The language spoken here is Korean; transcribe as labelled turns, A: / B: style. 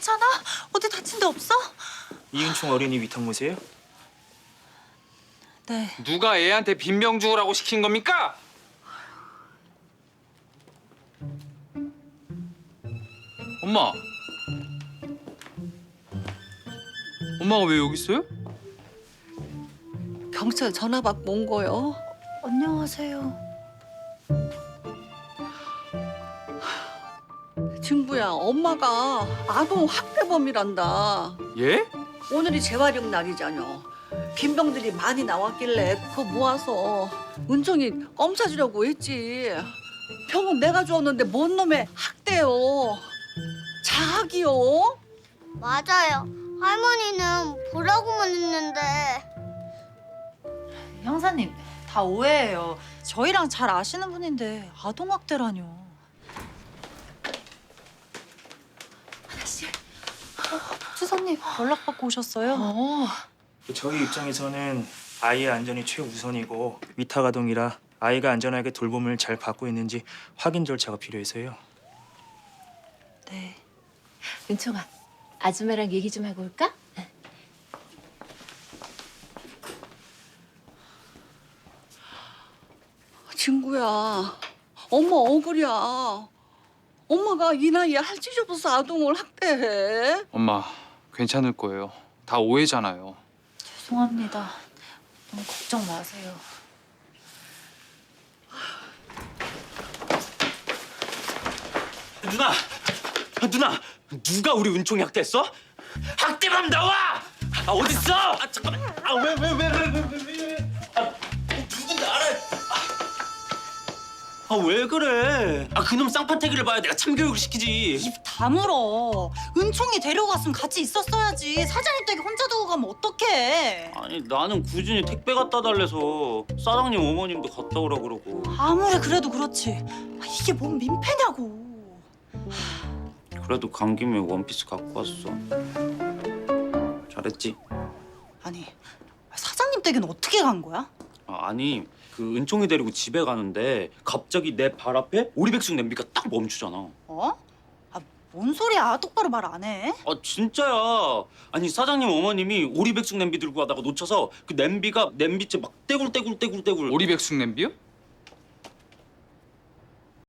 A: 괜찮아? 어디 다친 데 없어?
B: 이은총 어린이 위탁무세요?
A: 네.
C: 누가 애한테 빈병 주우라고 시킨 겁니까? 엄마. 엄마가 왜 여기 있어요?
D: 경찰 전화 받고 온 거요.
A: 안녕하세요.
D: 진구야, 엄마가 아동 학대범이란다.
C: 예?
D: 오늘이 재활용 날이잖여. 빈병들이 많이 나왔길래 그거 모아서 은총이 검사 주려고 했지. 병은 내가 주었는데 뭔 놈의 학대요. 자학이요.
E: 맞아요. 할머니는 보라고만 했는데.
A: 형사님, 다 오해예요. 저희랑 잘 아시는 분인데 아동학대라뇨. 하나씨. 수사님, 연락받고 오셨어요?
B: 저희 입장에서는 아이의 안전이 최우선이고 위탁아동이라 아이가 안전하게 돌봄을 잘 받고 있는지 확인 절차가 필요해서요.
A: 네.
F: 은총아, 아줌마랑 얘기 좀 하고 올까?
D: 진구야, 엄마 억울이야. 엄마가 이 나이에 할짓 없어서 아동을 학대해.
C: 엄마, 괜찮을 거예요. 다 오해잖아요.
A: 죄송합니다. 너무 걱정 마세요.
G: 누나, 누가 우리 은총이 학대했어? 학대범 나와! 아 어딨어? 아 잠깐만. 아 왜? 누군지 알아? 아 왜 그래? 아 그놈 쌍판태기를 봐야 내가 참교육을 시키지.
A: 입 다물어. 은총이 데려갔으면 같이 있었어야지. 사장님 댁에 혼자 두고 가면 어떡해.
G: 아니 나는 꾸준히 택배 갖다 달래서 사장님 어머님도 갔다 오라 그러고.
A: 아무리 그래도 그렇지. 이게 뭔 민폐냐고.
G: 그래도 간 김에 원피스 갖고 왔어. 잘했지?
A: 아니, 사장님 댁에는 어떻게 간 거야?
G: 아니 그 은총이 데리고 집에 가는데 갑자기 내 발 앞에 오리백숙 냄비가 딱 멈추잖아.
A: 어? 아, 뭔 소리야. 똑바로 말 안 해.
G: 아 진짜야. 아니 사장님 어머님이 오리백숙 냄비 들고 가다가 놓쳐서 그 냄비가 냄비째 막 떼굴떼굴.
C: 오리백숙 냄비요?